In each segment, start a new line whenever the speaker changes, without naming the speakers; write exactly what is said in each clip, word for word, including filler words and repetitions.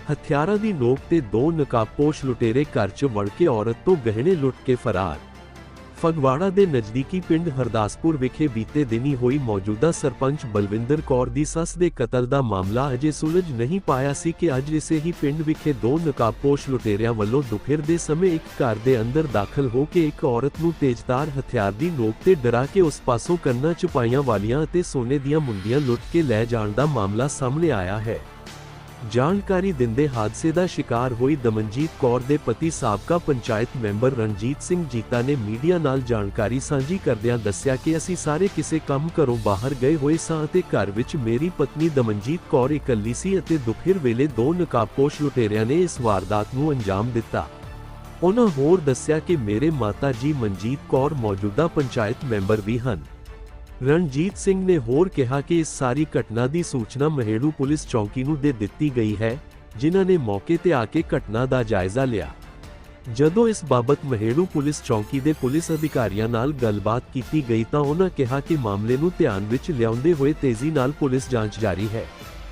ਹਥਿਆਰਾਂ ਦੀ ਨੋਕ ਤੇ ਦੋ ਨਕਾਬਪੋਸ਼ ਲੁਟੇਰੇ ਘਰ 'ਚ ਵੜ ਕੇ ਔਰਤ ਤੋਂ ਗਹਿਣੇ ਲੁੱਟ ਕੇ ਫਰਾਰ। ਫਗਵਾੜਾ ਦੇ ਨਜ਼ਦੀਕੀ ਪਿੰਡ ਹਰਦਾਸਪੁਰ ਵਿਖੇ ਬੀਤੇ ਦਿਨੀ ਹੋਈ ਮੌਜੂਦਾ ਸਰਪੰਚ ਬਲਵਿੰਦਰ ਕੌਰ ਦੀ ਸੱਸ ਦੇ ਕਤਲ ਦਾ ਮਾਮਲਾ ਅਜੇ ਸੁਲਝ ਨਹੀਂ ਪਾਇਆ ਸੀ ਕਿ ਅੱਜ ਇਸੇ ਹੀ ਪਿੰਡ ਵਿਖੇ ਦੋ ਨਕਾਬਪੋਸ਼ ਲੁਟੇਰਿਆਂ ਵੱਲੋਂ ਦੁਪਹਿਰ ਦੇ ਸਮੇਂ ਇੱਕ ਘਰ ਦੇ ਅੰਦਰ ਦਾਖਲ ਹੋ ਕੇ ਇੱਕ ਔਰਤ ਨੂੰ ਤੇਜ਼ਧਾਰ ਹਥਿਆਰ ਦੀ ਨੋਕ ਤੇ ਡਰਾ ਕੇ ਉਸ ਪਾਸੋਂ ਕੰਨਾਂ 'ਚ ਪਾਈਆਂ ਵਾਲੀਆਂ ਅਤੇ ਸੋਨੇ ਦੀਆਂ ਮੁੰਦੀਆਂ ਲੁੱਟ ਕੇ ਲੈ ਜਾਣ ਦਾ ਮਾਮਲਾ ਸਾਹਮਣੇ ਆਇਆ ਹੈ। ਜਾਣਕਾਰੀ ਦਿੰਦੇ ਹਾਦਸੇ ਦਾ ਸ਼ਿਕਾਰ ਹੋਈ ਦਮਨਜੀਤ ਕੌਰ ਦੇ ਪਤੀ ਸਾਬਕਾ ਪੰਚਾਇਤ ਮੈਂਬਰ ਰਣਜੀਤ ਸਿੰਘ ਜੀਤਾ ਨੇ ਮੀਡੀਆ ਨਾਲ ਜਾਣਕਾਰੀ ਸਾਂਝੀ ਕਰਦਿਆਂ ਦੱਸਿਆ ਕਿ ਅਸੀਂ ਸਾਰੇ ਕਿਸੇ ਕੰਮ ਘਰੋਂ ਬਾਹਰ ਗਏ ਹੋਏ ਸਾਂ ਅਤੇ ਘਰ ਵਿੱਚ ਮੇਰੀ ਪਤਨੀ ਦਮਨਜੀਤ ਕੌਰ ਇਕੱਲੀ ਸੀ ਅਤੇ ਦੁਪਹਿਰ ਵੇਲੇ ਦੋ ਨਕਾਬਪੋਸ਼ ਲੁਟੇਰਿਆਂ ਨੇ ਇਸ ਵਾਰਦਾਤ ਨੂੰ ਅੰਜਾਮ ਦਿੱਤਾ। ਉਹਨਾਂ ਹੋਰ ਦੱਸਿਆ ਕਿ ਮੇਰੇ ਮਾਤਾ ਜੀ ਮਨਜੀਤ ਕੌਰ ਮੌਜੂਦਾ ਪੰਚਾਇਤ ਮੈਂਬਰ ਵੀ ਹਨ। ਰਣਜੀਤ ਸਿੰਘ ਨੇ ਹੋਰ ਕਿਹਾ ਕਿ ਇਸ ਸਾਰੀ ਘਟਨਾ ਦੀ ਸੂਚਨਾ ਮਹੇੜੂ ਪੁਲਿਸ ਚੌਕੀ ਨੂੰ ਦੇ ਦਿੱਤੀ ਗਈ ਹੈ, ਜਿਨ੍ਹਾਂ ਨੇ ਮੌਕੇ ਤੇ ਆ ਕੇ ਘਟਨਾ ਦਾ ਜਾਇਜ਼ਾ ਲਿਆ। ਜਦੋਂ ਇਸ ਬਾਬਤ ਮਹੇੜੂ ਪੁਲਿਸ ਚੌਕੀ ਦੇ ਪੁਲਿਸ ਅਧਿਕਾਰੀਆਂ ਨਾਲ ਗੱਲਬਾਤ ਕੀਤੀ ਗਈ ਤਾਂ ਉਹਨਾਂ ਕਿਹਾ ਕਿ ਮਾਮਲੇ ਨੂੰ ਧਿਆਨ ਵਿੱਚ ਲਿਆਉਂਦੇ ਹੋਏ ਤੇਜ਼ੀ ਨਾਲ ਪੁਲਿਸ ਜਾਂਚ ਜਾਰੀ ਹੈ।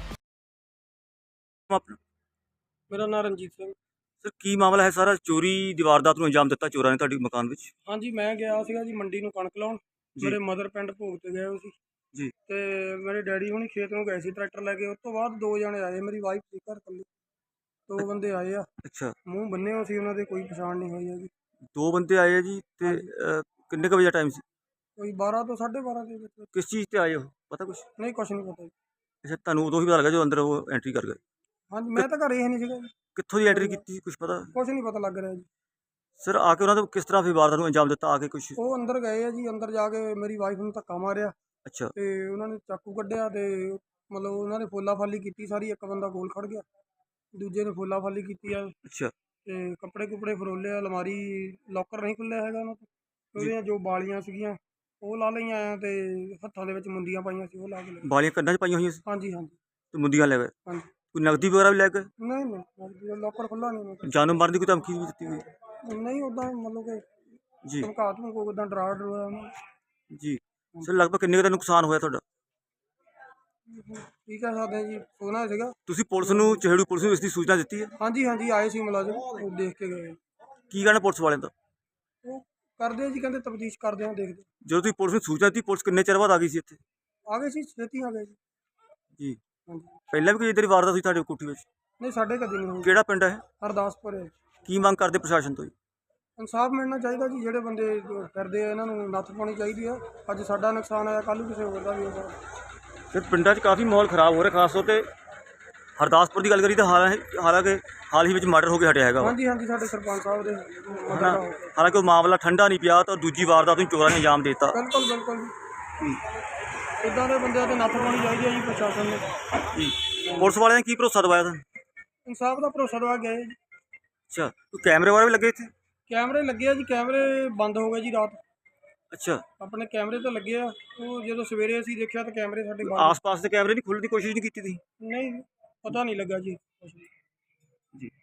ਮੇਰਾ ਨਾਮ ਰਣਜੀਤ ਸਿੰਘ।
ਸਰ ਕੀ ਮਾਮਲਾ ਹੈ ਸਾਰਾ? ਚੋਰੀ ਦੀ ਵਾਰਦਾਤ ਨੂੰ ਅੰਜਾਮ ਦਿੱਤਾ ਚੋਰਾਂ ਨੇ ਤੁਹਾਡੇ ਮਕਾਨ ਵਿੱਚ?
ਹਾਂਜੀ, ਮੈਂ ਗਿਆ ਸੀਗਾ ਜੀ ਮੰਡੀ ਨੂੰ ਕਣਕ ਲਾਉਣ। ਮੇਰੇ ਮਦਰ ਪਿੰਡ ਭੋਗ ਤੇ ਗਏ ਹੋਏ ਸੀ
ਜੀ
ਤੇ ਮੇਰੇ ਡੈਡੀ ਹੁਣੀ ਖੇਤ ਨੂੰ ਗਏ ਸੀ ਟਰੈਕਟਰ ਲੈ ਕੇ। ਉਸ ਤੋਂ ਬਾਅਦ ਦੋ ਜਣੇ ਆਏ, ਮੇਰੀ ਵਾਈਫ ਸੀ ਘਰ ਇਕੱਲੀ। ਦੋ ਬੰਦੇ ਆਏ ਆ।
ਅੱਛਾ,
ਮੂੰਹ ਬੰਨੇ ਹੋ ਸੀ ਉਹਨਾਂ ਦੇ, ਕੋਈ ਪਛਾਣ ਨਹੀਂ ਹੋਈ ਹੈਗੀ।
ਦੋ ਬੰਦੇ ਆਏ ਆ ਜੀ ਤੇ ਅਹ, ਕਿੰਨੇ ਕੁ ਵਜੇ ਦਾ ਟਾਈਮ ਸੀ?
ਕੋਈ ਬਾਰਾਂ ਤੋਂ ਸਾਢੇ ਬਾਰਾਂ ਦੇ ਵਿੱਚ।
ਕਿਸ ਚੀਜ਼ ਤੇ ਆਏ ਹੋ ਪਤਾ ਕੁਛ?
ਨਹੀਂ, ਕੁਛ ਨਹੀਂ ਪਤਾ ਜੀ।
ਅੱਛਾ, ਤੁਹਾਨੂੰ ਉਦੋਂ ਹੀ ਪਤਾ ਲੱਗਾ ਜੋ ਅੰਦਰ ਉਹ ਐਂਟਰੀ ਕਰ ਗਏ?
ਹਾਂਜੀ, ਮੈਂ ਤਾਂ ਘਰੇ ਹੀ ਨਹੀਂ ਸੀਗਾ ਜੀ।
ਕਿੱਥੋਂ ਦੀ ਐਂਟਰੀ ਕੀਤੀ ਕੁਛ ਪਤਾ?
ਕੁਛ ਨਹੀਂ ਪਤਾ ਲੱਗ ਰਿਹਾ ਜੀ।
ਸਰ ਆ ਕੇ ਉਹਨਾਂ ਨੇ ਕਿਸ ਤਰ੍ਹਾਂ ਫਿਰ ਵਾਰਦਾਤ ਨੂੰ ਅੰਜਾਮ ਦਿੱਤਾ? ਆ ਕੇ ਕੁਛ?
ਉਹ ਅੰਦਰ ਗਏ ਆ ਜੀ, ਅੰਦਰ ਜਾ ਕੇ ਮੇਰੀ ਵਾਈਫ ਨੂੰ ਧੱਕਾ ਮਾਰਿਆ
ਅੱਛਾ
ਤੇ ਉਹਨਾਂ ਨੇ ਚਾਕੂ ਕੱਢਿਆ ਤੇ ਮਤਲਬ ਉਹਨਾਂ ਨੇ ਫੋਲਾ ਫਾਲੀ ਕੀਤੀ ਸਾਰੀ। ਇੱਕ ਬੰਦਾ ਕੋਲ ਖੜ ਗਿਆ, ਦੂਜੇ ਨੇ ਫੋਲਾ ਫਾਲੀ ਕੀਤੀ ਆ
ਅੱਛਾ
ਤੇ ਕੱਪੜੇ ਕੁਪੜੇ ਫਰੋਲੇ, ਅਲਮਾਰੀ ਲੋਕਰ ਨਹੀਂ ਖੁੱਲਿਆ ਹੈਗਾ ਉਹਨਾਂ ਤੋਂ। ਉਹਦੀਆਂ ਜੋ ਬਾਲੀਆਂ ਸੀਗੀਆਂ ਉਹ ਲਾ ਲਈਆਂ ਆ ਤੇ ਹੱਥਾਂ ਦੇ ਵਿੱਚ ਮੁੰਦੀਆਂ ਪਾਈਆਂ ਸੀ ਉਹ ਲਾ ਕੇ ਲੈ ਗਏ।
ਬਾਲੀਆਂ ਕੰਨਾਂ 'ਚ ਪਾਈਆਂ ਹੋਈਆਂ ਸੀ
ਹਾਂਜੀ ਹਾਂਜੀ
ਤੇ ਮੁੰਦੀਆਂ ਲੈ ਗਏ?
ਹਾਂਜੀ।
ਕੋਈ ਨਕਦੀ ਵਗੈਰਾ ਵੀ ਲੈ ਗਏ?
ਨਹੀਂ ਨਹੀਂ, ਲੋਕਰ ਖੁੱਲਾ ਨਹੀਂ।
ਜਾਨੋਂ ਮਾਰਨ ਦੀ ਕੋਈ ਧਮਕੀ ਵੀ ਦਿੱਤੀ ਹੋਈ?
ਨਹੀਂ, ਉੱਦਾਂ ਮਤਲਬ ਕਿ
ਜੀ
ਧਮਕਾ ਧਮਕੋ ਉੱਦਾਂ ਡਰਾ ਡਰੋਇਆ ਉਹਨਾਂ ਨੇ।
ਜੀ ਸਰ ਲਗਭਗ ਕਿੰਨੇ ਕੁ ਦਾ ਨੁਕਸਾਨ ਹੋਇਆ ਤੁਹਾਡਾ?
ਕੀ ਕਹਿ ਸਕਦੇ ਜੀ, ਸੋਨਾ ਸੀਗਾ।
ਤੁਸੀਂ ਪੁਲਿਸ ਨੂੰ, ਚਹੇੜੂ ਪੁਲਿਸ ਨੂੰ ਇਸ ਦੀ ਸੂਚਨਾ ਦਿੱਤੀ ਹੈ?
ਹਾਂਜੀ ਹਾਂਜੀ, ਆਏ ਸੀ ਮੁਲਾਜ਼ਮ, ਉਹ ਦੇਖ ਕੇ ਗਏ।
ਕੀ ਕਹਿਣਾ ਪੁਲਿਸ ਵਾਲਿਆਂ ਦਾ?
ਉਹ ਕਰਦੇ ਆ ਜੀ, ਕਹਿੰਦੇ ਤਫਤੀਸ਼ ਕਰਦੇ ਆ, ਦੇਖਦੇ।
ਜਦੋਂ ਤੁਸੀਂ ਪੁਲਿਸ ਨੂੰ ਸੂਚਨਾ ਦਿੱਤੀ, ਪੁਲਿਸ ਕਿੰਨੇ ਚਿਰ ਬਾਅਦ ਆ ਗਈ ਸੀ ਇੱਥੇ?
ਆ ਗਏ ਸੀ, ਛੇਤੀ ਆ ਗਏ ਜੀ।
ਜੀ
ਹਾਂਜੀ।
ਪਹਿਲਾਂ ਵੀ ਕੋਈ ਇੱਦਾਂ ਦੀ ਵਾਰਦਾਤ ਹੋਈ ਤੁਹਾਡੇ ਕੋਠੀ ਵਿੱਚ?
ਨਹੀਂ, ਸਾਡੇ ਕਦੇ ਨਹੀਂ ਹੋਈ।
ਕਿਹੜਾ ਪਿੰਡ ਹੈ?
ਹਰਦਾਸਪੁਰ ਹੈ।
ਕੀ ਮੰਗ ਕਰਦੇ ਪ੍ਰਸ਼ਾਸਨ ਤੋਂ ਜੀ?
ਇਨਸਾਫ ਮਿਲਣਾ ਚਾਹੀਦਾ ਜੀ। ਜਿਹੜੇ ਬੰਦੇ ਜੋ ਫਿਰਦੇ ਆ ਇਹਨਾਂ ਨੂੰ ਨੱਥ ਪਾਉਣੀ ਚਾਹੀਦੀ ਆ। ਅੱਜ ਸਾਡਾ ਨੁਕਸਾਨ ਆਇਆ, ਕੱਲ੍ਹ ਨੂੰ ਕਿਸੇ ਹੋਰ ਦਾ ਵੀ ਹੋਊਗਾ।
ਫਿਰ ਪਿੰਡਾਂ 'ਚ ਕਾਫੀ ਮਾਹੌਲ ਖਰਾਬ ਹੋ ਰਿਹਾ, ਖਾਸ ਤੌਰ 'ਤੇ ਹਰਦਾਸਪੁਰ ਦੀ ਗੱਲ ਕਰੀ ਤਾਂ ਹਾਲਾਂ ਹਾਲਾਂਕਿ ਹਾਲ ਹੀ ਵਿੱਚ ਮਰਡਰ ਹੋ ਕੇ ਹਟਿਆ ਹੈਗਾ।
ਹਾਂਜੀ ਹਾਂਜੀ, ਸਾਡੇ ਸਰਪੰਚ ਸਾਹਿਬ ਦੇ ਮਦਦ
ਹਨਾ,
ਨਾਲ।
ਹਾਲਾਂਕਿ ਉਹ ਮਾਮਲਾ ਠੰਡਾ ਨਹੀਂ ਪਿਆ ਤਾਂ ਦੂਜੀ ਵਾਰਦਾਤ ਨੂੰ ਚੋਰਾਂ ਨੇ ਅੰਜਾਮ ਦੇ ਦਿੱਤਾ।
ਬਿਲਕੁਲ ਬਿਲਕੁਲ ਜੀ। ਇੱਦਾਂ ਦੇ ਬੰਦਿਆਂ ਤੇ ਨੱਥ ਪਾਉਣੀ ਚਾਹੀਦੀ ਹੈ ਜੀ ਪ੍ਰਸ਼ਾਸਨ ਨੇ।
ਜੀ ਪੁਲਿਸ ਵਾਲਿਆਂ ਨੇ ਕੀ ਭਰੋਸਾ ਦਵਾਇਆ ਤੁਹਾਨੂੰ?
ਇਨਸਾਫ ਦਾ ਭਰੋਸਾ ਦਵਾ ਗਏ ਜੀ।
ਅੱਛਾ, ਕੋਈ ਕੈਮਰੇ ਵਗੈਰਾ ਵੀ ਲੱਗੇ ਇੱਥੇ?
ਕੈਮਰੇ ਲੱਗੇ ਆ ਜੀ, ਕੈਮਰੇ ਬੰਦ ਹੋ ਗਏ ਜੀ ਰਾਤ।
ਅੱਛਾ,
ਆਪਣੇ ਕੈਮਰੇ ਤਾਂ ਲੱਗੇ ਆ, ਉਹ ਜਦੋਂ ਸਵੇਰੇ ਅਸੀਂ ਦੇਖਿਆ ਤਾਂ ਕੈਮਰੇ ਸਾਡੇ ਬੰਦ।
ਆਸ-ਪਾਸ ਦੇ ਕੈਮਰੇ ਨਹੀਂ ਖੁੱਲ੍ਹਣ ਦੀ ਕੋਸ਼ਿਸ਼ ਨਹੀਂ ਕੀਤੀ ਤੁਸੀਂ?
ਨਹੀਂ, ਪਤਾ ਨਹੀਂ ਲੱਗਾ ਜੀ ਕੁਛ ਵੀ।
ਜੀ।